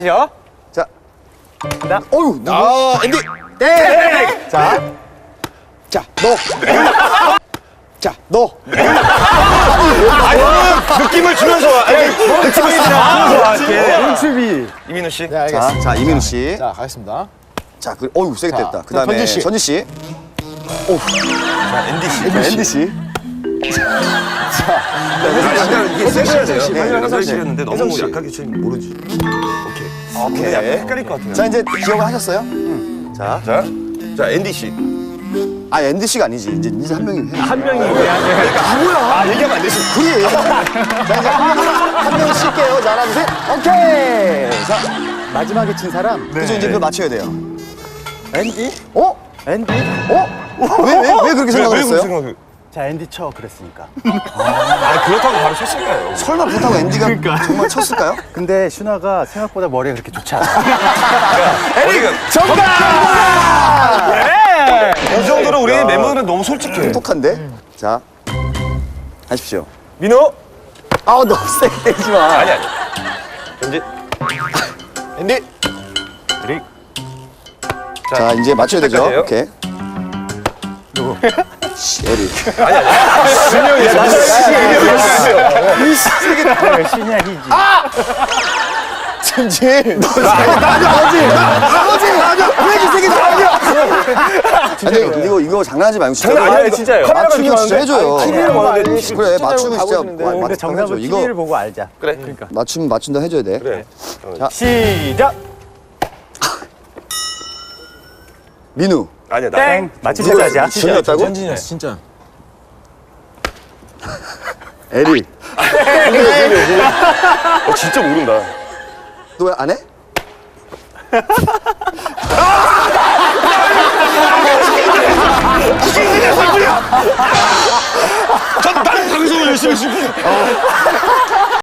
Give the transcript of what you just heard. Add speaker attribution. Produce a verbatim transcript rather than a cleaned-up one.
Speaker 1: 요.
Speaker 2: 자.
Speaker 1: 나.
Speaker 2: 어유, 누구?
Speaker 3: 아, 앤디.
Speaker 2: 땡! 자. 자, 너. 자, 너.
Speaker 3: 아니, 느낌을 주면서 와. 아니, 느낌을 주면서 와.
Speaker 1: 연출비.
Speaker 3: 이민우 씨.
Speaker 2: 자,
Speaker 4: 네, 알겠습니다.
Speaker 2: 자, 이민우 씨.
Speaker 4: 자, 가겠습니다.
Speaker 2: 자, 그, 어유, 세게
Speaker 4: 자,
Speaker 2: 됐다. 그 다음에
Speaker 4: 전지 씨.
Speaker 2: 전지 씨.
Speaker 3: 자, 앤디 씨.
Speaker 2: 자, 앤디 씨.
Speaker 3: 약간 이게 세셔야 돼요.
Speaker 2: 네,
Speaker 3: 네,
Speaker 2: 혜성 씨.
Speaker 3: 씨였는데 너무
Speaker 2: 혜성 씨.
Speaker 3: 약하게 치면 모르지. 오케이.
Speaker 2: 오케이.
Speaker 3: 약간 헷갈릴 것 같은데.
Speaker 2: 자, 이제 기억을 하셨어요? 자.
Speaker 3: 자, 자, 앤디 씨.
Speaker 2: 아, 앤디 씨가 아니지. 이제 이제 한 명이 해.
Speaker 1: 한 명이 그냥.
Speaker 3: 아, 얘기하면 안 되지.
Speaker 2: 둘이에요. 자, 이제 한 명 쉴게요. 자, 하나, 둘, 셋. 오케이. 자,
Speaker 4: 마지막에 친 사람.
Speaker 2: 그래서 이제 그걸 맞춰야 돼요.
Speaker 4: 앤디?
Speaker 2: 어?
Speaker 4: 앤디?
Speaker 2: 어? 왜, 왜, 왜 그렇게 생각을
Speaker 3: 왜
Speaker 2: 했어요?
Speaker 3: 생각을?
Speaker 4: 자, 앤디 쳐. 그랬으니까.
Speaker 3: 아, 그렇다고 바로 쳤을까요?
Speaker 2: 설마 그렇다고 앤디가 정말 쳤을까요?
Speaker 4: 근데 슈나가 생각보다 머리가 그렇게 좋지 않아.
Speaker 3: 에릭! 이 정도로 우리 멤버들은 너무 솔직해.
Speaker 2: 똑똑한데? 자, 하십시오.
Speaker 3: 민호?
Speaker 2: 아우, 너무 세게 때리지 마.
Speaker 3: 아니, 아니. 앤디. 앤디. 에릭.
Speaker 2: 자, 이제 맞춰야 되죠.
Speaker 3: 시작까지예요?
Speaker 2: 오케이. 누구? 씨, 에릭.
Speaker 3: 아니, 아니. 분명히
Speaker 1: 야, 신이야, 희지.
Speaker 2: 전지. 나머지. 나머지. 왜 이렇게 세게 나가냐? 아니, 이거, 이거 장난하지 말고 진짜.
Speaker 3: 장난 아니에요, 진짜요.
Speaker 2: 맞추면 진짜 해줘요.
Speaker 1: 티비를 보는데
Speaker 2: 그래, 맞추면 진짜.
Speaker 1: 근데
Speaker 2: 맞-
Speaker 1: 근데 정답은
Speaker 2: 이거
Speaker 1: 티비를 보고 알자.
Speaker 3: 그래.
Speaker 1: 그러니까.
Speaker 2: 맞추면 맞춘다 해줘야 돼.
Speaker 3: 그래.
Speaker 1: 시작.
Speaker 2: 민우.
Speaker 3: 아니야, 나.
Speaker 1: 땡. 맞히셔도 하자.
Speaker 2: 전이었다고?
Speaker 4: 전진이었어, 진짜.
Speaker 2: 에릭.
Speaker 3: 어, 진짜 모른다.
Speaker 2: 너 왜 안 해?
Speaker 3: 전 다른 방송을 열심히 했습니다.